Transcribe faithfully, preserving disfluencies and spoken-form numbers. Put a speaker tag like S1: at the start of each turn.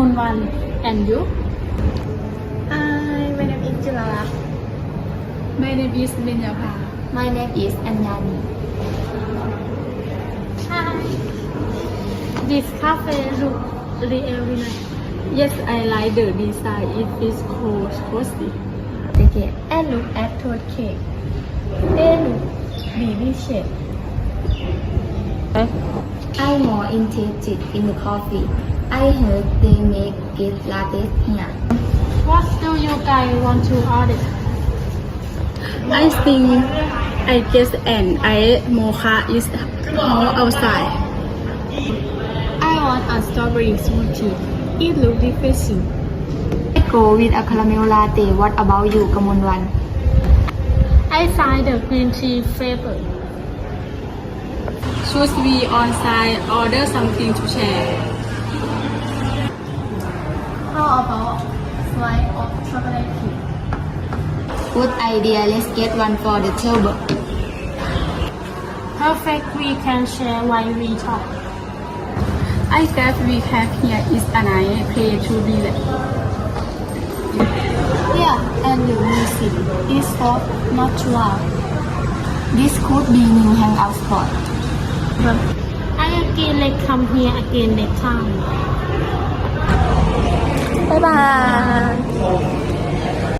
S1: Kamunwan. And you?
S2: Hi, my name is Julala.
S1: My name is Benyapa.
S2: My name is Anyani.
S1: Hi. This cafe look really nice. Yes, I like the design. It is cozy.
S2: Okay, and look at toad cake. They look baby shape. I'm more interested in the coffee. I heard they make it latte here.
S1: What do you guys want to order? I think I guess an ice mocha is all outside. I want a strawberry smoothie. It looks refreshing.
S2: I go with a caramel latte. What about you, Kamunwan?
S1: I find the green tea flavor. Should we on site order something to share?
S2: How about slice of chocolate cake? Good idea. Let's get one for the table.
S1: Perfect. We can share while we talk. I guess we have here is a nice place to relax.
S2: Yeah, and the music is soft, not too loud. This could be new hangout spot.
S1: I again like come here again next time.
S2: Bye bye.